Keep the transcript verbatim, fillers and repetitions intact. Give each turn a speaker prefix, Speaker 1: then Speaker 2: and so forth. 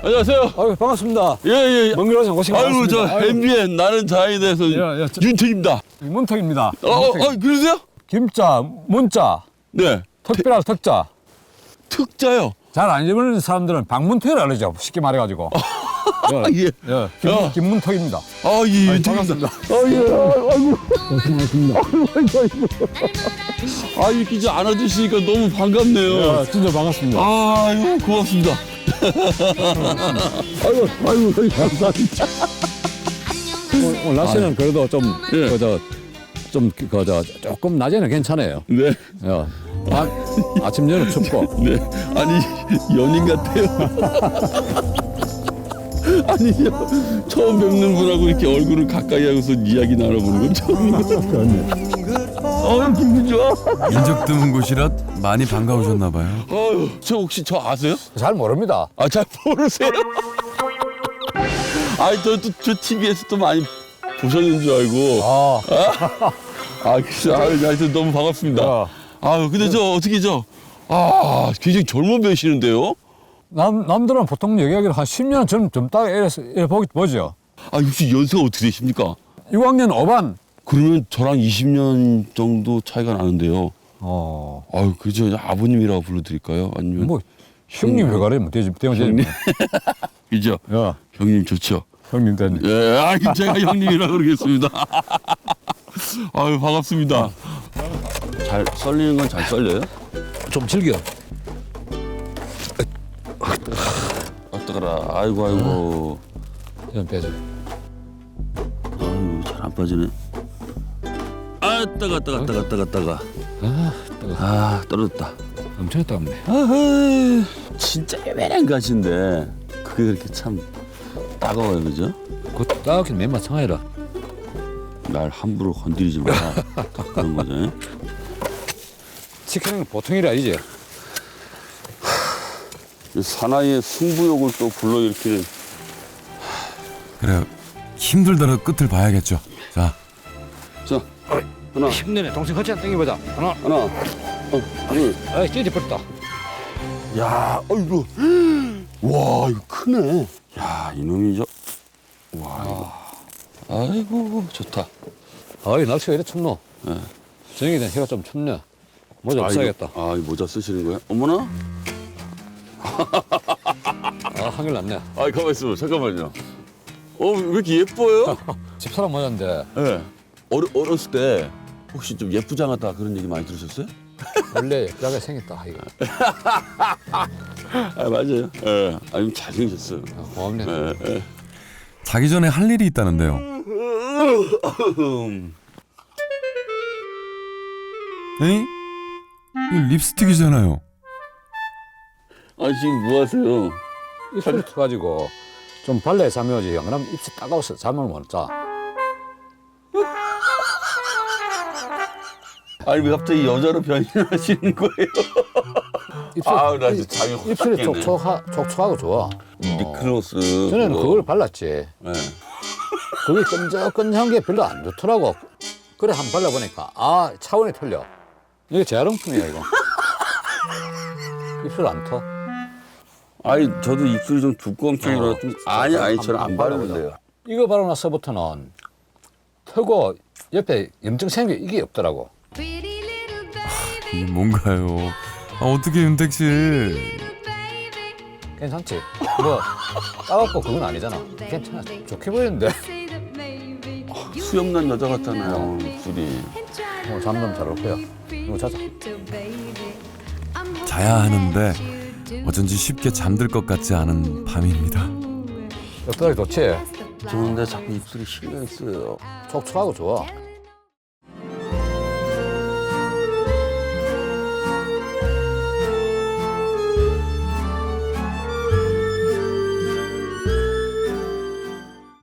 Speaker 1: 안녕하세요.
Speaker 2: 아유, 반갑습니다.
Speaker 1: 예, 예.
Speaker 2: 먼 길에서 고생
Speaker 1: 아이고,
Speaker 2: 많습니다.
Speaker 1: 저 엠비엔 나는 자에 대해서
Speaker 2: 야, 야, 저-
Speaker 1: 윤택입니다.
Speaker 2: 문턱입니다.
Speaker 1: 어, 어, 어, 그러세요?
Speaker 2: 김자, 문자,
Speaker 1: 네.
Speaker 2: 특별한 특자.
Speaker 1: 특자요.
Speaker 2: 잘 안 읽는 사람들은 박문턱이라 그러죠. 쉽게 말해가지고.
Speaker 1: 아, 예.
Speaker 2: 예, 김,
Speaker 1: 야.
Speaker 2: 김문턱입니다.
Speaker 1: 아, 예, 윤택입니다. 아, 예. 아이고.
Speaker 2: 고생하셨습니다.
Speaker 1: 아이고, 아이고. 아, 이렇게 이제 안아주시니까 너무 반갑네요.
Speaker 2: 야, 진짜 반갑습니다.
Speaker 1: 아이고, 고맙습니다. 아이고, 아이고, 감사합니다.
Speaker 2: 오늘, 오늘 날씨는 그래도 좀,
Speaker 1: 예.
Speaker 2: 그저, 좀, 그저, 조금 낮에는 괜찮아요.
Speaker 1: 네.
Speaker 2: 야, 밤, 아침, 저녁 춥고.
Speaker 1: 네. 아니, 연인 같아요. 아니, 처음 뵙는 분하고 이렇게 얼굴을 가까이 하고서 이야기 나눠보는 건 처음인 것 같아요. 어, 기분 좋아.
Speaker 3: 인적 드문 곳이라 많이 반가우셨나 봐요.
Speaker 1: 아유, 저 혹시 저 아세요?
Speaker 2: 잘 모릅니다.
Speaker 1: 아, 잘 모르세요? 아니, 저, 저, 저 티비에서 또 많이 보셨는 줄 알고.
Speaker 2: 아,
Speaker 1: 아, 그래서, 아, 하여튼 너무 반갑습니다.
Speaker 2: 야.
Speaker 1: 아유, 근데 저, 어떻게 저, 아, 굉장히 젊어 보이시는데요?
Speaker 2: 남, 남들은 보통 얘기하기로 한 십 년 전, 젊다, 이래서, 이래 보기, 보죠.
Speaker 1: 아, 혹시 연세가 어떻게 되십니까?
Speaker 2: 육 학년 오 반.
Speaker 1: 그러면 저랑 이십 년 정도 차이가 나는데요.
Speaker 2: 어,
Speaker 1: 아유, 그저 아버님이라고 불러드릴까요? 아니면
Speaker 2: 뭐, 형님 왜 가래? 뭐, 되지, 되면 되지.
Speaker 1: 그죠?
Speaker 2: 야,
Speaker 1: 형님 좋죠.
Speaker 2: 형님 되네.
Speaker 1: 예, 아, 제가 형님이라고 그러겠습니다. 아유, 반갑습니다. 잘 썰리는 건 잘 썰려요?
Speaker 2: 좀 즐겨.
Speaker 1: 어떡하라. 아이고, 아이고.
Speaker 2: 좀 빼줘.
Speaker 1: 아유, 잘 안 빠지네. 아, 따가, 따가, 따가, 따가, 따가.
Speaker 2: 아, 뜨거.
Speaker 1: 아, 떨어졌다.
Speaker 2: 엄청 따갑네.
Speaker 1: 아하, 진짜 애매한 가시인데 그게 그렇게 참 따가워요, 그죠?
Speaker 2: 그 따갑긴 맨맛 상하이라.
Speaker 1: 날 함부로 건드리지 마라. 딱 그런 거죠.
Speaker 2: 치킨은 보통 일이 아니지.
Speaker 1: 사나이의 승부욕을 또 불러일으키는.
Speaker 3: 그래요. 힘들더라도 끝을 봐야겠죠. 자,
Speaker 1: 자, 하나,
Speaker 2: 힘내네. 동생 같이 한번 당겨보자. 하나.
Speaker 1: 하나, 어, 둘.
Speaker 2: 아이, 찌릿 뻗다.
Speaker 1: 야, 아이고, 와, 이거 크네. 야, 이놈이 저, 와, 이거. 아이고, 좋다.
Speaker 2: 아이, 날씨가 이래 춥노.
Speaker 1: 네.
Speaker 2: 저녁에 되면 해가 좀 춥네. 모자
Speaker 1: 아,
Speaker 2: 없어야겠다.
Speaker 1: 이거, 아, 이 모자 쓰시는 거예요? 어머나?
Speaker 2: 아, 한결 낫네.
Speaker 1: 아, 가만 있어, 잠깐만요. 어, 왜 이렇게 예뻐요?
Speaker 2: 집사람 모자인데
Speaker 1: 예. 네. 어려, 어렸을 때 혹시 좀 예쁘장하다 그런 얘기 많이 들으셨어요?
Speaker 2: 원래 예쁘게 생겼다. 이거.
Speaker 1: 아, 맞아요. 예. 네. 아니, 잘생기셨어요.
Speaker 2: 아, 고맙네.
Speaker 1: 예, 예.
Speaker 3: 자기 전에 할 일이 있다는데요. 에이? 이 립스틱이잖아요.
Speaker 1: 아, 지금 뭐 하세요?
Speaker 2: 입술 터가지고 좀 발라야 잠이 오지. 안 그러면 입술 따가워서 잠을 못 자.
Speaker 1: 아니, 왜 갑자기 여자로 변신하시는 거예요?
Speaker 2: 입술,
Speaker 1: 아우, 나 진짜 잠이 확
Speaker 2: 입술이
Speaker 1: 깼네.
Speaker 2: 촉촉하, 촉촉하고 좋아.
Speaker 1: 미크로스.
Speaker 2: 전에는
Speaker 1: 그거.
Speaker 2: 그걸 발랐지.
Speaker 1: 예.
Speaker 2: 그게 끈적끈적한 게 별로 안 좋더라고. 그래 한번 발라보니까 아 차원이 틀려. 이게 재활용품이야 이거. 입술 안 터.
Speaker 1: 아니, 저도 입술이 좀 두꺼운 편이라
Speaker 2: 어.
Speaker 1: 좀. 아니, 아니, 저는 안
Speaker 2: 바르거든.
Speaker 1: 바르는데요.
Speaker 2: 이거 바르고 나서부터는 터고 옆에 염증 생겨 이게 없더라고.
Speaker 3: 이게 뭔가요? 아, 어떻게 윤택 씨?
Speaker 2: 괜찮지? 뭐 따갑고 그건 아니잖아. 괜찮아. 좋게 보이는데.
Speaker 1: 수염난 여자 같잖아요, 입술이.
Speaker 2: 어, 잠좀 잘 올 거야. 이거 자자.
Speaker 3: 자야 하는데 어쩐지 쉽게 잠들 것 같지 않은 밤입니다.
Speaker 2: 옆다리 좋지?
Speaker 1: 좋은데 자꾸 입술이 신경이 쓰여요.
Speaker 2: 촉촉하고 좋아.